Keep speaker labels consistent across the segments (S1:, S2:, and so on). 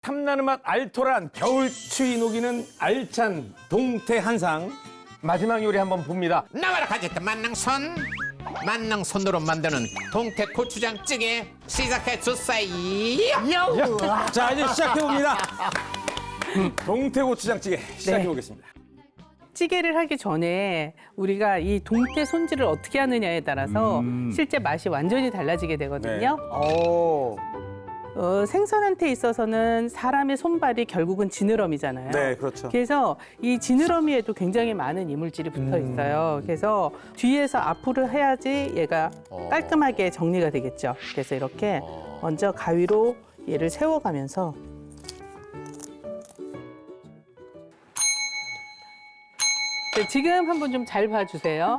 S1: 탐나는 맛 알토란 겨울 추위 녹이는 알찬 동태 한상. 마지막 요리 한번 봅니다.
S2: 나와라 가겠다 만능손으로 만드는 동태 고추장찌개 시작해 주세요.
S1: 자, 이제 시작해 봅니다. 동태 고추장찌개 시작해 보겠습니다.
S3: 찌개를 하기 전에 우리가 이 동태 손질을 어떻게 하느냐에 따라서 실제 맛이 완전히 달라지게 되거든요.
S1: 오.
S3: 생선한테 있어서는 사람의 손발이 결국은 지느러미잖아요.
S1: 네, 그렇죠.
S3: 그래서 이 지느러미에도 굉장히 많은 이물질이 붙어 있어요. 그래서 뒤에서 앞으로 해야지 얘가 깔끔하게 정리가 되겠죠. 그래서 이렇게 먼저 가위로 얘를 세워가면서 네, 지금 한번 좀 잘 봐주세요.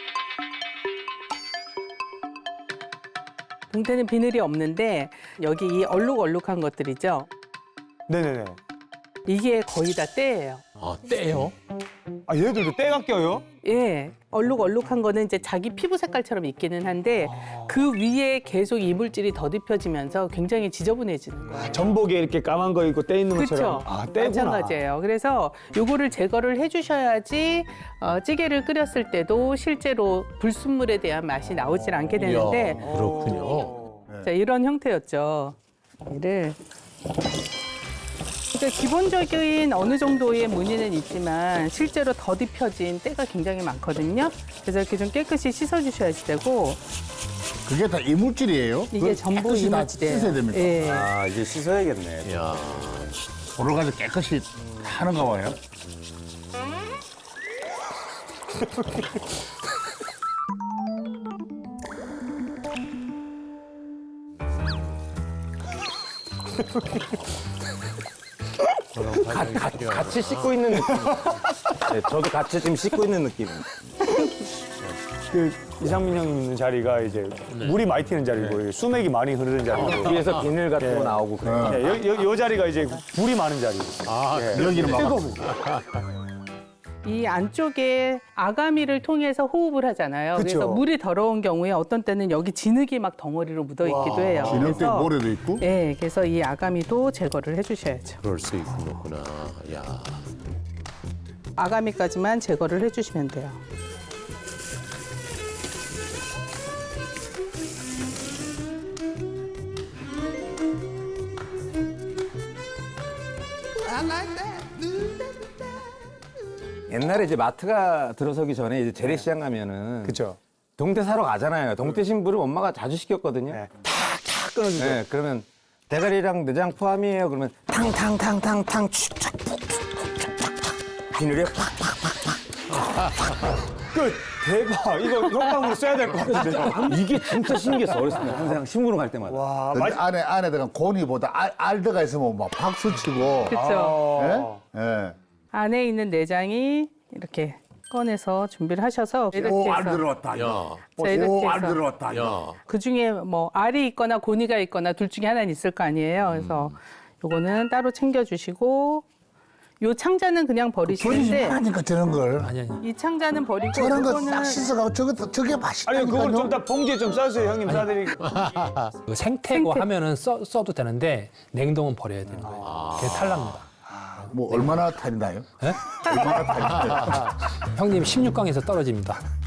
S3: 동태는 비늘이 없는데 여기 이 얼룩얼룩한 것들이죠.
S4: 네네네.
S3: 이게 거의 다 때예요.
S2: 아 떼요?
S4: 아, 얘들도 때가 껴요?
S3: 예, 얼룩얼룩한 거는 이제 자기 피부 색깔처럼 있기는 한데 그 위에 계속 이물질이 더듬혀지면서 굉장히 지저분해지는 거예요.
S4: 전복에 이렇게 까만 거 있고 때 있는 것처럼.
S3: 그렇죠.
S4: 아, 때구나.
S3: 마찬가지예요. 그래서 요거를 제거를 해주셔야지 찌개를 끓였을 때도 실제로 불순물에 대한 맛이 나오질 않게 되는데
S2: 그렇군요.
S3: 자, 이런 형태였죠. 얘를 그러니까 기본적인 어느 정도의 무늬는 있지만 실제로 더딥혀진 때가 굉장히 많거든요. 그래서 이렇게 좀 깨끗이 씻어주셔야지 되고
S5: 그게 다 이물질이에요?
S3: 이게
S5: 그걸
S3: 전부
S5: 깨끗이 다
S3: 이물질이에요.
S5: 씻어야 됩니까?
S3: 예.
S1: 아, 이제 씻어야겠네.
S2: 야
S5: 보러 가서 깨끗이 하는가 봐요.
S1: 같이 씻고 있는 느낌. 네, 저도 같이 지금 씻고 있는 느낌입니다.
S4: 그 이상민 형님 있는 자리가 이제 물이 많이 튀는 자리고 수맥이 많이 흐르는 자리고.
S1: 뒤에서 비늘 같은 거 나오고 그래요.
S4: 네, 요 자리가 이제 불이 많은 자리.
S5: 여기는 막
S3: 이 안쪽에 아가미를 통해서 호흡을 하잖아요.
S4: 그쵸.
S3: 그래서 물이 더러운 경우에 어떤 때는 여기 진흙이 막 덩어리로 묻어 있기도 해요.
S5: 진흙도 있고 모래도 있고.
S3: 네, 그래서 이 아가미도 제거를 해주셔야죠.
S2: 그럴 수 있구나. 야
S3: 아가미까지만 제거를 해주시면 돼요.
S1: 옛날에 이제 마트가 들어서기 전에 이제 재래시장 가면은
S4: 그쵸.
S1: 동태 사러 가잖아요. 동태 신부를 엄마가 자주 시켰거든요.
S4: 네. 탁탁 끊어주죠.
S1: 네, 그러면 대가리랑 내장 포함이에요. 그러면 탕탕탕탕탕 축착 푹푹푹푹 비늘에
S4: 끝. 대박. 이거 효과음으로 써야 될 것 같은데요.
S1: 이게 진짜 신기했어. 어렸을 때 항상 신부름 갈 때마다.
S4: 와,
S5: 근데 안에다가 고니보다 알 들어가 있으면 막 박수 치고.
S3: 그렇죠.
S5: 예? 예.
S3: 안에 있는 내장이 이렇게 꺼내서 준비를 하셔서 이렇게
S5: 오, 알
S3: 해서
S5: 들어왔다.
S2: 야,
S3: 자, 이렇게
S5: 오, 알
S3: 해서
S5: 들어왔다.
S2: 야.
S3: 그 중에 뭐 알이 있거나 고니가 있거나 둘 중에 하나는 있을 거 아니에요. 그래서 요거는 따로 챙겨주시고 요 창자는 그냥
S5: 버리지
S3: 버리시는데
S5: 말라니까 저런 걸.
S3: 이 창자는 버리고
S5: 저런 거
S3: 요거는
S5: 싹 씻어가고 저게
S4: 아니,
S5: 맛있다니까요.
S4: 그걸 좀 다 봉지에 좀 싸주세요, 형님. 싸드리고.
S6: 그 생태고
S3: 생태.
S6: 하면은 써도 되는데 냉동은 버려야 되는 거예요. 그게 탈납니다.
S5: 뭐 얼마나 탈이나요?
S6: 예?
S5: 얼마나 탈이나요?
S6: 형님 16강에서 떨어집니다.